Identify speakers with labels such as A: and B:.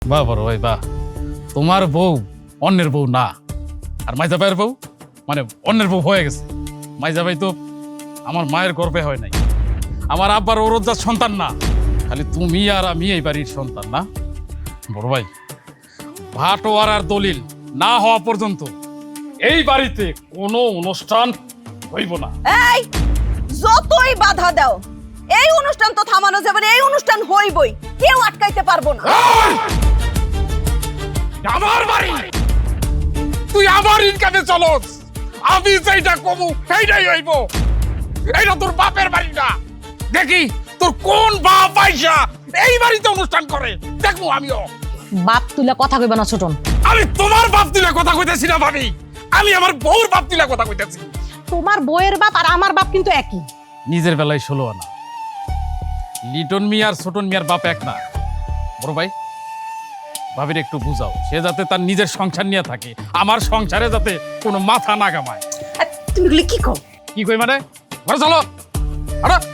A: বাহ বড় ভাই বাহ, তোমার বউ অন্যের বউ না, আর মাইজা ভাইয়ের বউ মানে অন্যের বউ হয়ে গেছে। মাইজা ভাই তো আমার মায়ের গর্ভে হয় নাই, আমার আব্বার ওরজ্জার সন্তান না, খালি তুমি আর আমি এই বাড়ির সন্তান না। বড় ভাই, ভাটোয়ারার দলিল না হওয়া পর্যন্ত এই বাড়িতে কোনো অনুষ্ঠান হইব না।
B: এই যতই বাধা দাও, এই অনুষ্ঠান তো থামানো যাবে না, এই অনুষ্ঠান হইবই, কেউ আটকাইতে পারবো না।
A: আমার বাড়ি, তুই আমার ইনকামে চলস, আমি যেটা কমু সেইটাই হইব। এইটা তোর বাপের বাড়ি না, দেখি তোর কোন বাপ পয়সা এই বাড়িতে অনুষ্ঠান করে দেখবো আমিও।
C: বাপ তুলে কথা কইবা না ছোটন।
A: আমি তোমার বাপ তুলে কথা কইতেছি না ভাবি, আমি আমার বউর বাপ তুলে কথা কইতেছি।
C: তোমার বউয়ের বাপ আর আমার বাপ কিন্তু একই।
A: নিজের বেলায় 16 আনা, লিটন মিয়া আর ছোটন মিয়ার বাপ এক না। বড় ভাই, ভাবির একটু বুঝাও, সে যাতে তার নিজের সংসার নিয়ে থাকে, আমার সংসারে যাতে কোনো মাথা না কামায়।
B: তুমি এগুলি কি কও?
A: কি কই মানে? ঘরে চলো। আরে